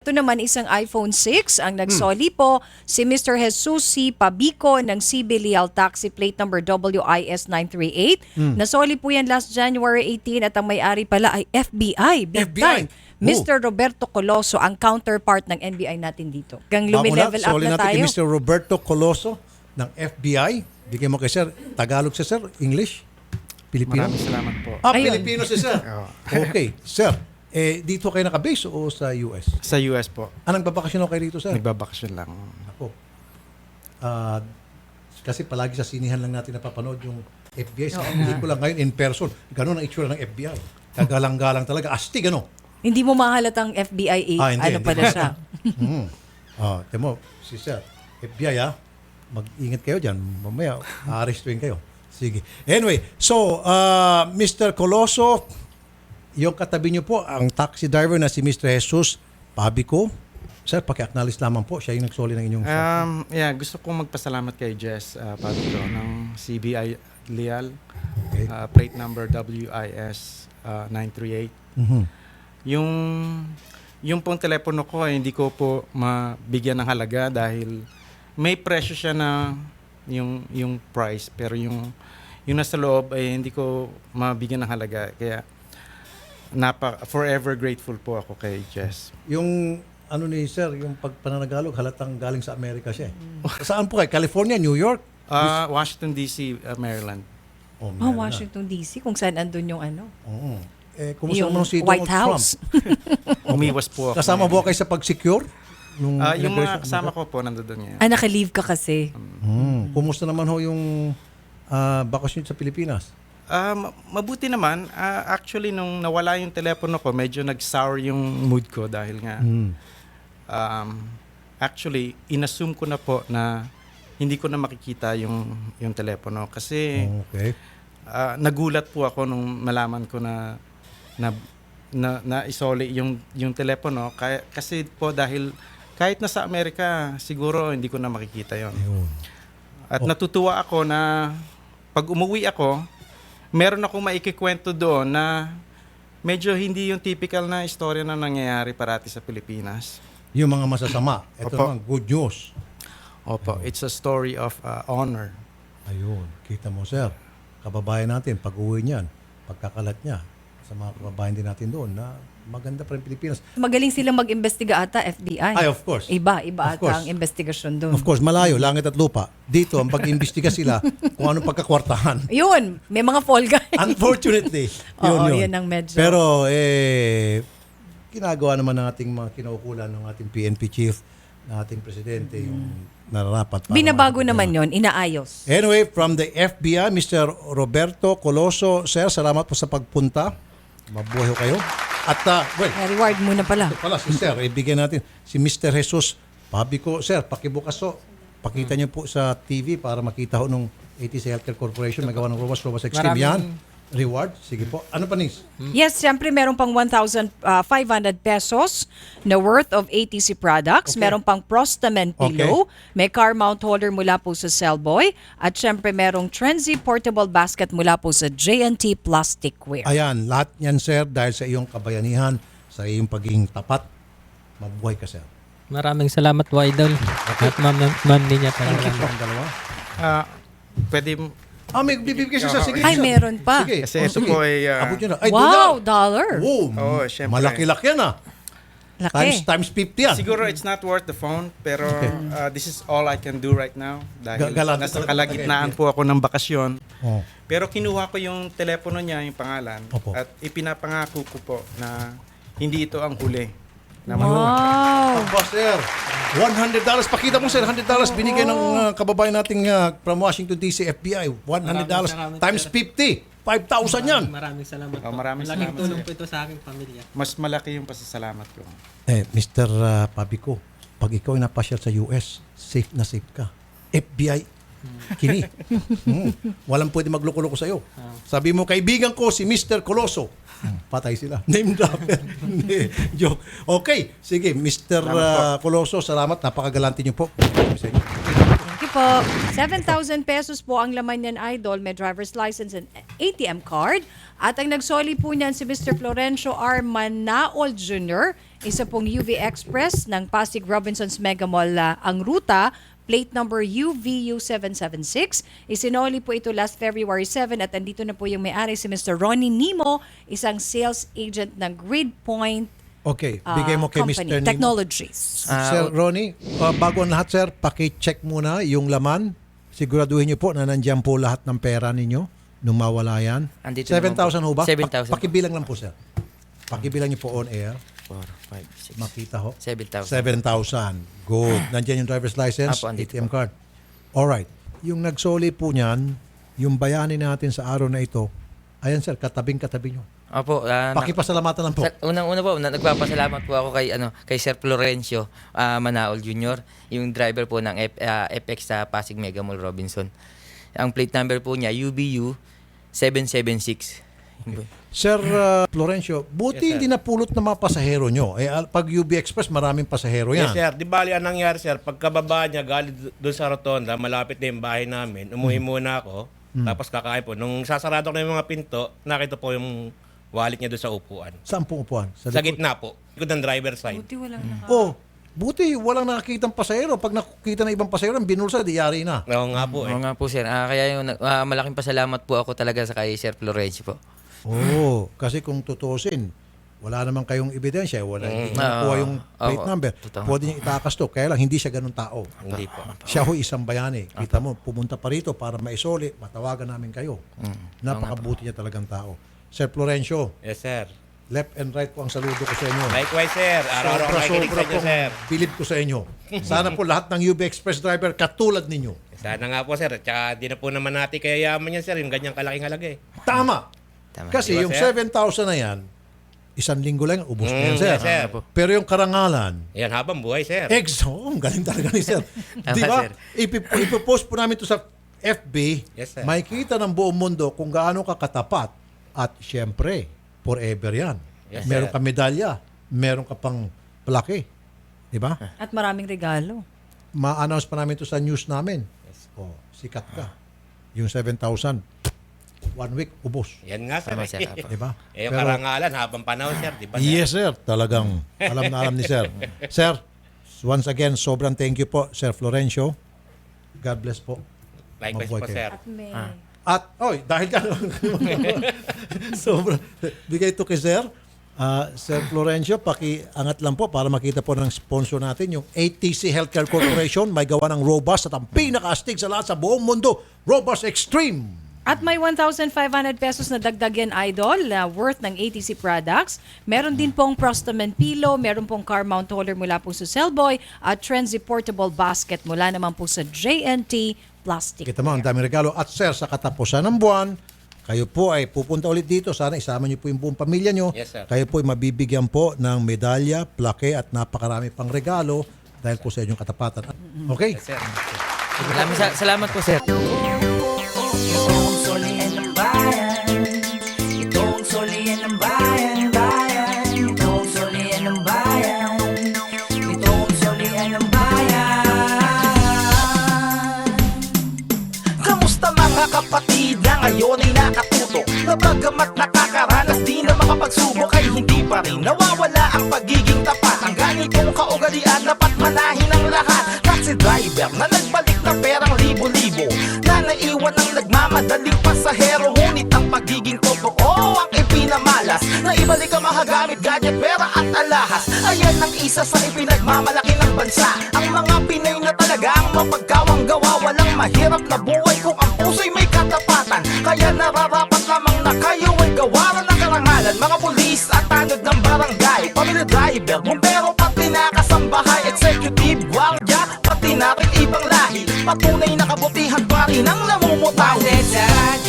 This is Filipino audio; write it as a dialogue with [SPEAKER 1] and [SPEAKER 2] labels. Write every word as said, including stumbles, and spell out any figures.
[SPEAKER 1] Ito naman isang iPhone six ang nagsoli po si Mister Jesus C. Pabico ng C B Leal Taxi Plate number W I S nine three eight. Nasoli po yan last January eighteen at ang may-ari pala ay F B I. Big
[SPEAKER 2] F B I.
[SPEAKER 1] time. Mister Roberto Coloso ang counterpart ng N B I natin dito. Gang
[SPEAKER 2] Bago na,
[SPEAKER 1] lumi-level up
[SPEAKER 2] soli
[SPEAKER 1] na
[SPEAKER 2] natin
[SPEAKER 1] tayo.
[SPEAKER 2] kay Mister Roberto Coloso ng F B I. Bigyan mo kay Sir. Tagalog siya, Sir? English? Pilipino?
[SPEAKER 3] Maraming salamat po.
[SPEAKER 2] Ah,
[SPEAKER 1] Ayun.
[SPEAKER 2] Pilipino si Sir. Okay. Sir, eh, dito kayo nakabase o sa U S?
[SPEAKER 3] Sa U S po.
[SPEAKER 2] Ah, nagbabakasyon kayo dito, Sir?
[SPEAKER 3] Nagbabakasyon lang.
[SPEAKER 2] Ako. Ah, kasi palagi sa sinihan lang natin napapanood yung F B I. Sa hindi ko lang ngayon in person. Ganun ang itsura ng F B I. Kagalang-galang talaga. Astig, ano?
[SPEAKER 1] Hindi mo mahalatang F B I
[SPEAKER 2] Ah, hindi,
[SPEAKER 1] ano
[SPEAKER 2] hindi.
[SPEAKER 1] pala siya.
[SPEAKER 2] Hmm. Ah, temo, si Sir, F B I ah, mag-ingat kayo dyan. Mamaya, aarestuin kayo. Sige. Anyway, so, uh, Mister Coloso, yung katabi niyo po, ang taxi driver na si Mister Jesus Pabico. Sir, paki-acknowledge lamang po. Siya yung nagsoli ng inyong...
[SPEAKER 3] Um, yeah, gusto kong magpasalamat kay Jess uh, Pabico ng C B I Leal.
[SPEAKER 2] Okay.
[SPEAKER 3] Uh, plate number W I S uh, nine three eight.
[SPEAKER 2] Mhm.
[SPEAKER 3] Yung yung pong telepono ko ay hindi ko po mabigyan ng halaga dahil may presyo siya na yung yung price pero yung yung nasa loob ay hindi ko mabigyan ng halaga kaya napa forever grateful po ako kay Jess.
[SPEAKER 2] Yung ano ni Sir, yung pagpananagalog, halatang galing sa Amerika siya. eh. Saan po kayo? California, New York?
[SPEAKER 3] Uh, Washington D C, uh, Maryland.
[SPEAKER 2] Oh,
[SPEAKER 1] Oh,
[SPEAKER 2] meron na.
[SPEAKER 1] Washington D C kung saan andun yung ano.
[SPEAKER 2] Oo. Eh, kumusta
[SPEAKER 1] Yung
[SPEAKER 2] naman si
[SPEAKER 1] White
[SPEAKER 2] Donald
[SPEAKER 1] House.
[SPEAKER 2] Trump?
[SPEAKER 3] Umiwas po ako.
[SPEAKER 2] Kasama
[SPEAKER 3] ngayon.
[SPEAKER 2] po kayo sa pag-secure? Nung
[SPEAKER 3] Ah, yung
[SPEAKER 2] inauguration?
[SPEAKER 3] mga kasama ko po nandoon ngayon.
[SPEAKER 1] Ah, naka-leave ka kasi.
[SPEAKER 2] Hmm. Kumusta naman ho yung ah, bakasyon sa Pilipinas?
[SPEAKER 3] Ah, ma- mabuti naman. Ah, actually, nung nawala yung telepono ko, medyo nag-sour yung mood ko dahil nga,
[SPEAKER 2] Hmm.
[SPEAKER 3] um, actually, inassume ko na po na hindi ko na makikita yung, yung telepono. Kasi
[SPEAKER 2] Okay.
[SPEAKER 3] ah, nagulat po ako nung malaman ko na na na, na isoli yung, yung telepono. Kaya, kasi po dahil kahit nasa Amerika, siguro hindi ko na makikita yon.
[SPEAKER 2] Ayun.
[SPEAKER 3] At
[SPEAKER 2] Oh.
[SPEAKER 3] natutuwa ako na pag umuwi ako, meron akong maikikwento doon na medyo hindi yung typical na istorya na nangyayari parati sa Pilipinas.
[SPEAKER 2] Yung mga masasama. Ito
[SPEAKER 3] Opo.
[SPEAKER 2] naman, good news.
[SPEAKER 3] Opo, it's a story of uh, honor.
[SPEAKER 2] Ayun. Kita mo, sir. Kababayan natin, pag-uwi niyan, pagkakalat niya, sa mga kababayan din natin doon, na maganda pa rin Pilipinas.
[SPEAKER 1] Magaling silang mag-imbestiga ata, F B I.
[SPEAKER 2] Ay, of course.
[SPEAKER 1] Iba, iba
[SPEAKER 2] Of
[SPEAKER 1] ata
[SPEAKER 2] course.
[SPEAKER 1] ang investigasyon doon.
[SPEAKER 2] Of course, malayo, langit at lupa. Dito, ang pag-imbestiga sila kung anong pagkakwartahan.
[SPEAKER 1] Yun, may mga fall guy.
[SPEAKER 2] Unfortunately, yun
[SPEAKER 1] Oo,
[SPEAKER 2] yun.
[SPEAKER 1] yan ang medyo.
[SPEAKER 2] Pero, eh, ginagawa naman ng ating mga kinaukulan ng ating P N P chief, ng ating presidente, yung nararapat. para
[SPEAKER 1] Binabago
[SPEAKER 2] mga-
[SPEAKER 1] naman yon, inaayos.
[SPEAKER 2] Anyway, from the F B I, Mister Roberto Coloso, sir, salamat po sa pagpunta. Mabuhay ho kayo. At, uh, well,
[SPEAKER 1] Na-reward muna pala.
[SPEAKER 2] ito pala, si sir, ibigay natin si Mister Jesus Pabico. Sir, pakibukas ho. Pakita niyo po sa T V para makita ho nung A T C Healthcare Corporation, magawa ng Robas, Robas Extreme. Yan.
[SPEAKER 3] Maraming-
[SPEAKER 2] Reward. Sige po. Ano pa, Nis?
[SPEAKER 1] Yes, siyempre meron pang one thousand five hundred pesos na worth of A T C products.
[SPEAKER 2] Okay.
[SPEAKER 1] Meron pang Prostamen pillow. May car mount holder mula po sa Cellboy. At siyempre merong Trenzy portable basket mula po sa J and T Plasticware.
[SPEAKER 2] Ayan, lahat yan, sir, dahil sa iyong kabayanihan, sa iyong pagiging tapat. Mabuhay ka, sir.
[SPEAKER 4] Maraming salamat, Widol. At ma'am, ma'am niya
[SPEAKER 2] Thank you po
[SPEAKER 4] talaga.
[SPEAKER 2] ang dalawa.
[SPEAKER 3] Ah, pwede,
[SPEAKER 2] Ah, may bibigay siya, sir. Sige,
[SPEAKER 1] Ay,
[SPEAKER 2] sir.
[SPEAKER 1] meron pa.
[SPEAKER 2] Sige.
[SPEAKER 3] Kasi
[SPEAKER 2] Oh,
[SPEAKER 3] ito
[SPEAKER 2] sige.
[SPEAKER 3] po ay, ah,
[SPEAKER 2] Abot nyo na. Ay,
[SPEAKER 1] Wow,
[SPEAKER 2] dollar.
[SPEAKER 1] dollar.
[SPEAKER 2] Wow,
[SPEAKER 3] Oo, syempre.
[SPEAKER 2] malaki-laki yan ah.
[SPEAKER 1] Laki.
[SPEAKER 2] Times, times fifty yan.
[SPEAKER 3] siguro it's not worth the phone, pero ah, this is all I can do right now. Dahil
[SPEAKER 2] Ga- galante
[SPEAKER 3] nasa
[SPEAKER 2] talaga
[SPEAKER 3] kalagitnaan
[SPEAKER 2] talaga,
[SPEAKER 3] po ako ng bakasyon.
[SPEAKER 2] Oh.
[SPEAKER 3] Pero kinuha ko yung telepono niya, yung pangalan,
[SPEAKER 2] Opo.
[SPEAKER 3] at ipinapangako ko po na hindi ito ang huli. Na
[SPEAKER 1] Wow.
[SPEAKER 2] Aba, sir. one hundred dollars. Pakita mo, sir. one hundred dollars binigay ng uh, kababayan nating uh, from Washington D C F B I. one hundred dollars
[SPEAKER 4] Maraming salamat,
[SPEAKER 2] times
[SPEAKER 4] sir.
[SPEAKER 2] fifty. five thousand yan.
[SPEAKER 4] Maraming salamat
[SPEAKER 3] Oh,
[SPEAKER 4] po.
[SPEAKER 3] maraming
[SPEAKER 4] Malaking
[SPEAKER 3] salamat,
[SPEAKER 4] tulong
[SPEAKER 3] sir.
[SPEAKER 4] po ito sa aking pamilya.
[SPEAKER 3] Mas malaki yung pasasalamat ko.
[SPEAKER 2] Eh, Mister uh, Pabico, pag ikaw ay napasyal sa U S, safe na safe ka. F B I, kini. Hmm. Walang pwede magloko-loko sa'yo. Sabi mo, kaibigan ko si Mister Coloso. Hmm, patay sila. Name dropper. Hindi, joke. Okay, sige, Mister uh, Coloso, salamat. Napakagalante niyo po. Sa inyo.
[SPEAKER 1] Thank you po. seven thousand pesos po ang laman niyan, Idol. May driver's license and A T M card. At ang nagsoli po niyan si Mister Florencio R. Manaol Junior Isa pong U V Express ng Pasig Robinsons Mega Mall ah, ang ruta. Plate number U V U seven seven six. Isinoli po ito last February seven at andito na po yung may-ari si Mister Ronnie Nimo, isang sales agent ng Grid Point
[SPEAKER 2] Okay,
[SPEAKER 1] ah,
[SPEAKER 2] bigay mo kay
[SPEAKER 1] Company,
[SPEAKER 2] Mister Nimo.
[SPEAKER 1] Technologies.
[SPEAKER 4] Ah,
[SPEAKER 2] Sir
[SPEAKER 4] o-
[SPEAKER 2] Ronnie, uh, bago ang lahat sir, paki-check muna yung laman. Siguraduhin niyo po na nandiyan po lahat ng pera ninyo nung mawala yan.
[SPEAKER 4] Andito
[SPEAKER 2] seven thousand ho
[SPEAKER 4] naman po.
[SPEAKER 2] ba?
[SPEAKER 4] seven thousand
[SPEAKER 2] Pak- pakibilang lang po sir. Pakibilang niyo po on air.
[SPEAKER 4] four, five, six,
[SPEAKER 2] Makita ho.
[SPEAKER 4] seven thousand.
[SPEAKER 2] seven thousand. Good. Nandiyan yung driver's license,
[SPEAKER 4] Apo,
[SPEAKER 2] A
[SPEAKER 4] andito
[SPEAKER 2] T M card. Alright. Yung nagsoli po niyan, yung bayani natin sa araw na ito, ayan sir, katabing-katabi nyo.
[SPEAKER 4] Opo, ah, na-
[SPEAKER 2] Pakipasalamatan lang po.
[SPEAKER 4] Sa, unang-una po, na, nagpapasalamat po ako kay ano kay Sir Florencio ah, Manaol Junior, yung driver po ng F, ah, F X sa Pasig Mega Mall Robinson. Ang plate number po niya U B U seven seven six. Yun po.
[SPEAKER 2] Sir uh, Florencio, buti
[SPEAKER 5] Yes, sir.
[SPEAKER 2] hindi napulot ng mga pasahero nyo. Eh, al- pag U B Express, maraming pasahero yan.
[SPEAKER 5] Yes, sir. Di bali, ang nangyari, sir, pagkababa niya, galing doon sa rotonda, malapit na yung bahay namin, umuwi muna ako, tapos kakain po. Nung sasarado ko na yung mga pinto, nakita po yung wallet niya doon sa upuan.
[SPEAKER 2] Saan pong upuan?
[SPEAKER 5] Sa
[SPEAKER 2] likod?
[SPEAKER 5] gitna po. Likod ng driver side.
[SPEAKER 1] Buti walang naka...
[SPEAKER 2] Oh, buti walang nakakitang pasahero. Pag nakikita ng ibang pasahero, binulsa, di yari na.
[SPEAKER 5] Oo nga po eh.
[SPEAKER 4] Oo nga po sir. Ah, kaya yung ah, malaking pasalamat po ako talaga sa kay Sir Florencio po.
[SPEAKER 2] Oo, kasi kung tutusin, wala naman kayong ebidensya, wala hindi
[SPEAKER 5] Mm.
[SPEAKER 2] niya nakuha yung
[SPEAKER 4] Oo.
[SPEAKER 2] plate
[SPEAKER 4] Oo.
[SPEAKER 2] number.
[SPEAKER 4] Totoo.
[SPEAKER 2] Pwede niya itakas to, kaya lang hindi siya ganun tao.
[SPEAKER 5] Hindi po.
[SPEAKER 2] Siya ho isang bayani. Kita mo, pumunta pa rito para maisoli, matawagan namin kayo. Napakabuti niya talagang tao. Sir Florencio,
[SPEAKER 5] Yes, sir.
[SPEAKER 2] left and right po ang saludo ko sa inyo.
[SPEAKER 5] Likewise, sir. Araw-araw
[SPEAKER 2] Sobra,
[SPEAKER 5] nakikinig
[SPEAKER 2] sobra
[SPEAKER 5] sa inyo,
[SPEAKER 2] pong
[SPEAKER 5] sir.
[SPEAKER 2] bilib ko sa inyo. Sana po lahat ng U B Express driver katulad ninyo.
[SPEAKER 5] Sana nga po, sir. Tsaka di na po naman natin kaya yaman yan, sir. Yung ganyang kalaking halaga eh.
[SPEAKER 2] Tama.
[SPEAKER 4] Tama.
[SPEAKER 2] Kasi
[SPEAKER 5] Di ba,
[SPEAKER 2] yung
[SPEAKER 5] sir?
[SPEAKER 2] seven thousand na yan, isang linggo lang, ubos na yan,
[SPEAKER 5] Mm,
[SPEAKER 2] sir.
[SPEAKER 5] yes, sir.
[SPEAKER 2] Pero yung karangalan,
[SPEAKER 5] Yan, habang buhay, sir.
[SPEAKER 2] Ex, oh, ang galing talaga ni sir.
[SPEAKER 4] Tama,
[SPEAKER 2] Di ba?
[SPEAKER 4] sir.
[SPEAKER 2] Ipi- Ipopost po namin to sa F B.
[SPEAKER 5] Yes, sir.
[SPEAKER 2] Makikita ng buong mundo kung gaano ka katapat. At syempre, forever yan.
[SPEAKER 5] Yes,
[SPEAKER 2] meron
[SPEAKER 5] sir.
[SPEAKER 2] ka medalya, meron ka pang plaque. Di ba?
[SPEAKER 1] At maraming regalo.
[SPEAKER 2] Ma-announce pa namin to sa news namin. Oh, sikat ka. Yung seven thousand, one week, ubos.
[SPEAKER 5] Yan nga, sir.
[SPEAKER 4] Tama, sir. Apo.
[SPEAKER 2] Di ba?
[SPEAKER 5] Eh, yung
[SPEAKER 2] Pero-
[SPEAKER 5] karangalan, habang panahon, sir. Di ba, sir?
[SPEAKER 2] Yes, sir. Talagang alam na alam ni sir. Sir, once again, sobrang thank you po, Sir Florencio. God bless po.
[SPEAKER 5] Likewise
[SPEAKER 2] Mabuhay
[SPEAKER 5] po,
[SPEAKER 2] kayo.
[SPEAKER 5] sir.
[SPEAKER 1] At may...
[SPEAKER 2] At, oy, dahil ka, sobrang, bigay ito kay Sir. Ah, Sir Florencio, pakiangat lang po para makita po ng sponsor natin, yung A T C Healthcare Corporation, may gawa ng Robust at ang pinaka-astig sa lahat sa buong mundo, Robust Extreme.
[SPEAKER 1] At may one thousand five hundred pesos na dagdag yan, Idol, na worth ng A T C products. Meron din pong Prostaman Pillow, meron pong car mount holder mula po sa Cellboy, at Trenzy Portable Basket mula naman po sa J N T Plastic.
[SPEAKER 2] Kita mo, ang daming regalo. At Sir, sa katapusan ng buwan, kayo po ay pupunta ulit dito. Sana isama niyo po yung buong pamilya niyo.
[SPEAKER 5] Yes, sir.
[SPEAKER 2] Kayo po ay mabibigyan po ng medalya, plaque at napakarami pang regalo dahil po sa inyong katapatan. Okay?
[SPEAKER 5] Yes, sir.
[SPEAKER 4] Salamat, sa- salamat po sir.
[SPEAKER 6] Itong solian ng bayan, itong solian ng bayan, bayan, itong solian ng bayan, itong solian ng bayan. Kamusta mga kapatid na ngayon ay nakatuto, na bagamat nakakaranas di na makapagsubok ay hindi pa rin nawawala ang pagiging tapat. Ang ganitong kaugalian dapat manahin ng lahat. Taxi driver na nagbalik na perang libo-libo, na naiwan ng nagmamadaling pasahero. Ngunit ang pagiging totoo ang ipinamalas, na ibalik ang mahagamit, gadget, pera at alahas. Ayan ang isa sa ipinagmamalaki ng bansa, ang mga Pinay na talaga ang mapagkawang gawa. Walang mahirap na buhay kung ang puso'y may katapatan. Kaya nararapat lamang na kayo ay gawaran ng karangalan. Mga pulis at tanod ng barangay, pamilya driver, bumbero, pati na kasambahay, executive, guardia, pati na rin ibang lahi. Patunay na kabutihan pa rin ang namumutaw.